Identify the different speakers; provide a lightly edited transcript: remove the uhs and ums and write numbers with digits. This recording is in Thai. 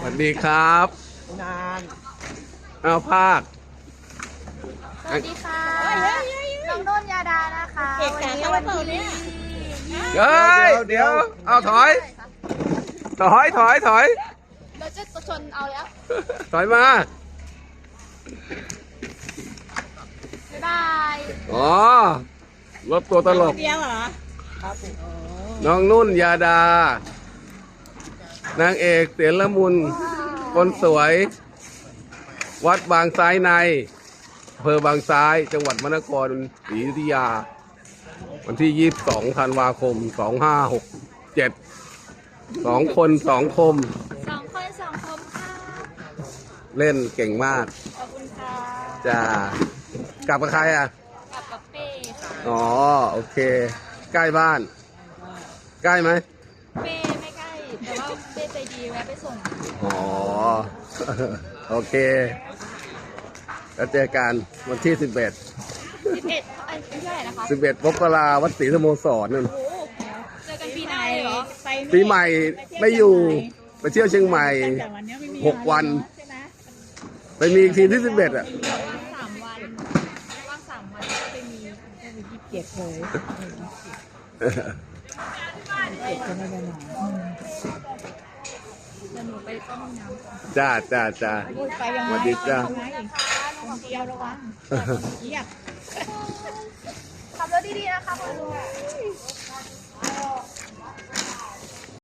Speaker 1: วัสดีครับ
Speaker 2: นาน
Speaker 1: เอาภาค
Speaker 3: สวัสดีค่ะน้องนุ่นยาดานะคะวันนี้
Speaker 1: เฮ้ยเดี๋ยวเอาถอย
Speaker 3: เราจะชนเอาแล้ว
Speaker 1: ถอยมา
Speaker 3: บ๊ายบาย
Speaker 1: อ๋อรถตัวตลก
Speaker 2: เดียวเหรอครับ
Speaker 1: น้องนุ่นยาดา นางเอกเสียงละมุนคนสวย วัดบางซ้ายในอำเภอบางซ้ายจังหวัดมนครศรีอยุธยา วันที่ 22 ธันวาคม 2567 2 คน 2 คม
Speaker 3: 2 คน2 คมค่ะ
Speaker 1: เล่นเก่งมาก
Speaker 3: ขอบคุณค่ะ
Speaker 1: จะกลับกับใครอ่ะ
Speaker 3: กับเป้ค่ะ
Speaker 1: อ๋อ โอเค ใกล้บ้าน ใกล้ไหม
Speaker 3: เป้ไม่ใกล้แต่ว่าเป้ใจดีแวะไปส่ง
Speaker 1: อ๋อ โอเค แล้วเจอกันวันที่ 11
Speaker 3: 11อันที่เท่าไหร่นะคะ
Speaker 1: 11 มกราวัดศรีสโมสรนั่น
Speaker 3: โอ้เจอกันปีหน้าเลยเหรอ
Speaker 1: ปีใหม่ไม่อยู่ ไปเที่ยวเชียงใหม่
Speaker 2: แต่วันนี้ไม่มี
Speaker 1: 6 วัน
Speaker 2: ใช่ไหม
Speaker 1: ไปมีอีกทีที่ 11 อ่ะ
Speaker 3: 3 วันว่าง3 วันก็ไปมี
Speaker 2: เก็บเลยเก็บจะไม่ได้หนอน
Speaker 3: เดี๋ยวหนูไปต้มน้ำก่อน
Speaker 1: จ้า
Speaker 2: พูดไปยัง
Speaker 1: ส
Speaker 2: ไง
Speaker 1: วัสดีจ้า
Speaker 2: คนเดียวระวังเงียบ
Speaker 3: ขับรถดีๆนะคะคุณลุง